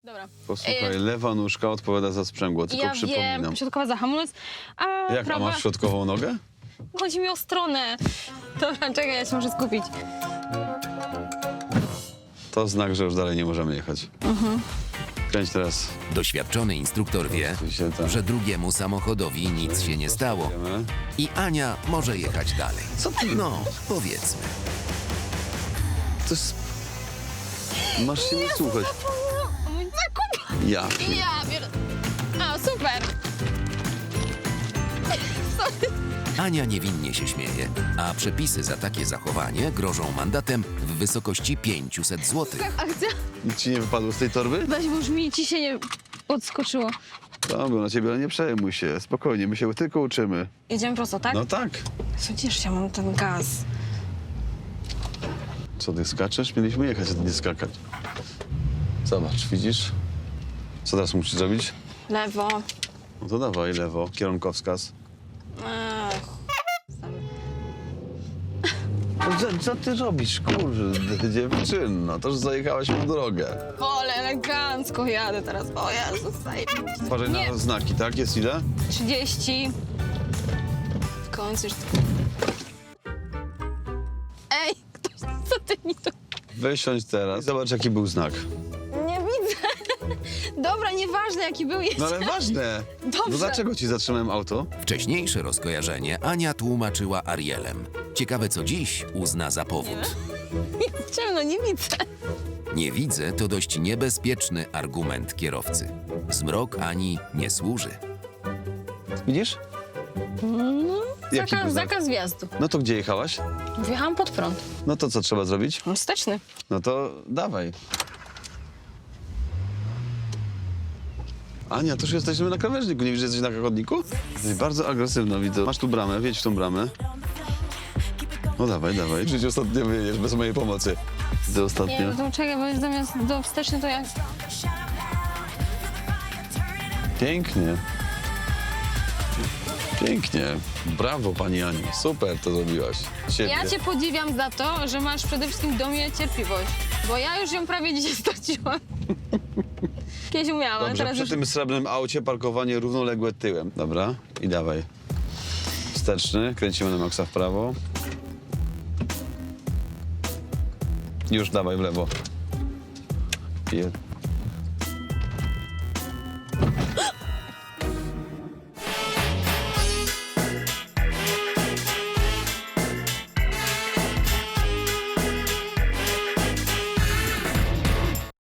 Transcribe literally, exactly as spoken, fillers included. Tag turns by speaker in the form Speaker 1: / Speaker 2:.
Speaker 1: Dobra.
Speaker 2: Posłuchaj,
Speaker 1: Y,
Speaker 2: lewa nóżka odpowiada za sprzęgło, tylko
Speaker 1: ja
Speaker 2: przypominam.
Speaker 1: wiem, środkowa za hamulec, a
Speaker 2: Jak, a
Speaker 1: prawa...
Speaker 2: masz środkową nogę?
Speaker 1: Chodzi mi o stronę. Dobra, czekaj, ja się muszę skupić.
Speaker 2: To znak, że już dalej nie możemy jechać.
Speaker 1: Mhm.
Speaker 2: Kręć teraz.
Speaker 3: Doświadczony instruktor wie,
Speaker 2: Oczywiście tak.
Speaker 3: że drugiemu samochodowi nic się nie stało
Speaker 2: Wiemy.
Speaker 3: i Ania może jechać dalej.
Speaker 2: Co ty?
Speaker 3: No, powiedzmy.
Speaker 2: To jest... Masz się nie słuchać.
Speaker 1: O mój zakup!
Speaker 2: Ja pier...
Speaker 1: Ja biorę... A, super! Sorry.
Speaker 3: Ania niewinnie się śmieje, a przepisy za takie zachowanie grożą mandatem w wysokości pięćset złotych.
Speaker 1: Akcja?
Speaker 2: Nic ci nie wypadło z tej torby?
Speaker 1: Weź, bo już mi ciśnienie odskoczyło.
Speaker 2: Dobra, na ciebie, ale nie przejmuj się. Spokojnie, my się tylko uczymy.
Speaker 1: Jedziemy prosto, tak?
Speaker 2: No tak.
Speaker 1: Przecież ja mam ten gaz.
Speaker 2: Co, ty skaczesz? Mieliśmy jechać, a ty nie skakać. Zobacz, widzisz? Co teraz musisz zrobić?
Speaker 1: Lewo.
Speaker 2: No to dawaj, lewo, kierunkowskaz.
Speaker 1: Ech.
Speaker 2: No, co, co ty robisz, kurde, dziewczyno? To już zajechałaś po drogę.
Speaker 1: Ale elegancko jadę teraz. O Jezus,
Speaker 2: Uważaj
Speaker 1: Nie.
Speaker 2: na znaki, tak? Jest ile?
Speaker 1: trzydzieści. W końcu już... Ej, ktoś, co ty mi to...
Speaker 2: Wysiądź teraz i zobacz, jaki był znak.
Speaker 1: Nie widzę. Dobra, nieważne jaki był jeszcze.
Speaker 2: No ale ważne.
Speaker 1: Dobrze.
Speaker 2: No dlaczego ci zatrzymałem auto?
Speaker 3: Wcześniejsze rozkojarzenie Ania tłumaczyła Arielem. Ciekawe, co dziś uzna za powód.
Speaker 1: Ciemno, nie widzę.
Speaker 3: Nie widzę to dość niebezpieczny argument kierowcy. Zmrok Ani nie służy.
Speaker 2: Widzisz?
Speaker 1: No,
Speaker 2: Jaki był
Speaker 1: zakaz,
Speaker 2: znak?
Speaker 1: zakaz wjazdu.
Speaker 2: No to gdzie jechałaś?
Speaker 1: Wjechałam pod prąd.
Speaker 2: No to co trzeba zrobić?
Speaker 1: No, wsteczny.
Speaker 2: No to dawaj. Ania, to już jesteśmy na krawężniku. Nie widzisz, że jesteś na chodniku? Jesteś bardzo agresywna, widzę. Masz tu bramę, wjedź w tą bramę. No dawaj, dawaj. Żyć ostatnio wyjedziesz bez mojej pomocy. Widzę
Speaker 1: Nie,
Speaker 2: ostatnio.
Speaker 1: no to czekaj, bo zamiast do wsteczny to jak...
Speaker 2: Pięknie. Pięknie. Brawo, pani Aniu. Super to zrobiłaś. Świetnie.
Speaker 1: Ja cię podziwiam za to, że masz przede wszystkim do mnie cierpliwość. Bo ja już ją prawie dzisiaj straciłam. Kiedyś umiałam,
Speaker 2: Dobrze,
Speaker 1: teraz
Speaker 2: przy
Speaker 1: już...
Speaker 2: tym srebrnym aucie parkowanie równoległe tyłem. Dobra, i dawaj. Wsteczny, kręcimy na maksa w prawo. Już dawaj w lewo. Je-